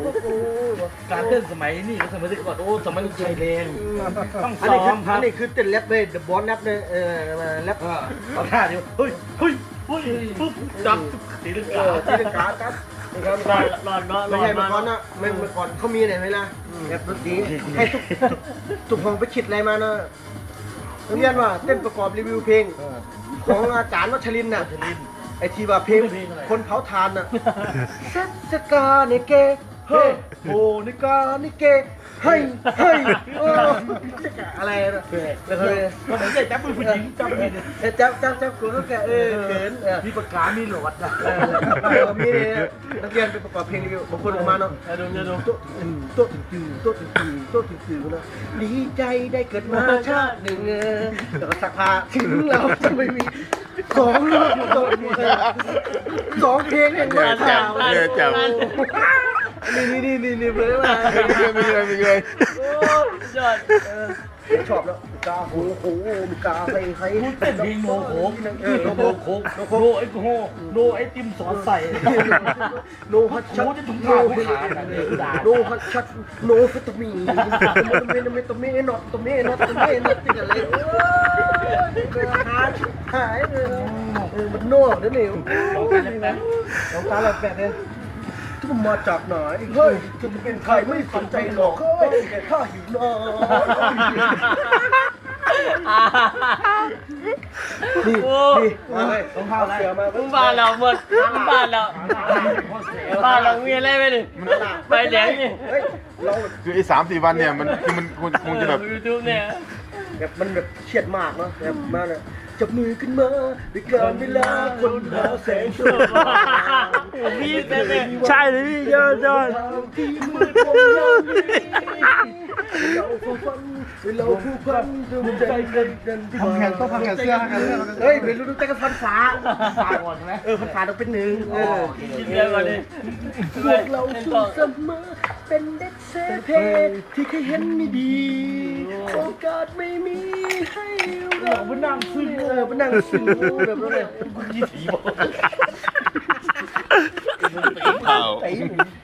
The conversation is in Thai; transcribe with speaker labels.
Speaker 1: การเต้นสมัยนี่สมัยที่ก่อนโอ้สมัยลูกชายแดงต้องซ้อมครับ
Speaker 2: อันนี้คือเต้นแรปเลยเดอะบอสแรปเลยแรป
Speaker 1: เอาท่าเดียวเฮ้ยปุ๊บจับตีลังกา
Speaker 2: ครับไม่ใช่เมื่อก่อนนะไม่เมื่อก่อนเขามีไหนไหมล่ะแบบดนตรีให้ทุกห้องไปคิดอะไรมานะเรียนว่าเต้นประกอบรีวิวเพลงของอาจารย์วัชรินทร์น่ะไอทีว่าเพลงคนเผาทานน่ะเซกาเนเกเฮ้โหนิกานิเกเฮ้อะไรนะแล้วก็
Speaker 1: เหมือนจับมือผู้หญิงจับมือ
Speaker 2: จับกูก็แกเขิน
Speaker 1: มีปากกามีหลอดนะ
Speaker 2: มีนักเรียนไปประกอบเพลงรีวิวบางคนออกมาเนาะโต๊ะถึงนะดีใจได้เกิดมาชาติหนึ่งแต่ก็สักพาถึงเราจะไม่มีสองเพลงอย่างเงี้ย
Speaker 3: จับ
Speaker 2: นี่เบอร์มา
Speaker 3: มีเลย
Speaker 1: ยอด
Speaker 2: ชอบแล้วกาโหมีกาใคร
Speaker 1: เต้นเพลงโนโคกโนไอ้โนไอติมสอนใส่
Speaker 2: โนฮัตชัดโนฮัตชัดโนฟิตามีตัวเมนอตติดอะไรหายเลยมันโน่เดี๋ยวนี้น้องตาแปลกเลยทุกมาจากไหนเฮ้ยจะเป็นใครไม่สนใจหรอกเฮ้ยแกข้าหิวน้นี่ต้องพาเสือมา
Speaker 1: บ้านเราหมดบ้านเรามีอะไรไปดิไปแดงนี่
Speaker 3: คือไอ้3-4 วันเนี่ยมันคงจะแบบ
Speaker 1: ยูทูบเนี่ย
Speaker 2: แบบมันแบบเครียดมากเนาะแบบมากเลยจับมือขึ้นมาด้วยการเวลาคนหาแสงโชว์
Speaker 1: มีแต่
Speaker 3: ใช่เลยพี่ยอด
Speaker 2: ที่มืดมนเราผู้พันดูใจกัน
Speaker 3: ทำแขนต้องทำแขนเสื้อ
Speaker 2: เฮ้ยเป็นรู้ใจกันฟันฟ้าก่อนใช่ไหมฟันฟ้าต้องเป็นหนึ่ง
Speaker 1: กินเยอะกว่านี้
Speaker 2: พวกเราสู้เสมอเป็นเด็กเซเพที่เคยเห็นไม่ดีโอกาสไม่มีให้เรา
Speaker 1: ไปนั่งซึ้ง
Speaker 2: ไปนั่งซึ้งแบบนั้นเลย
Speaker 1: ยี่สีบอก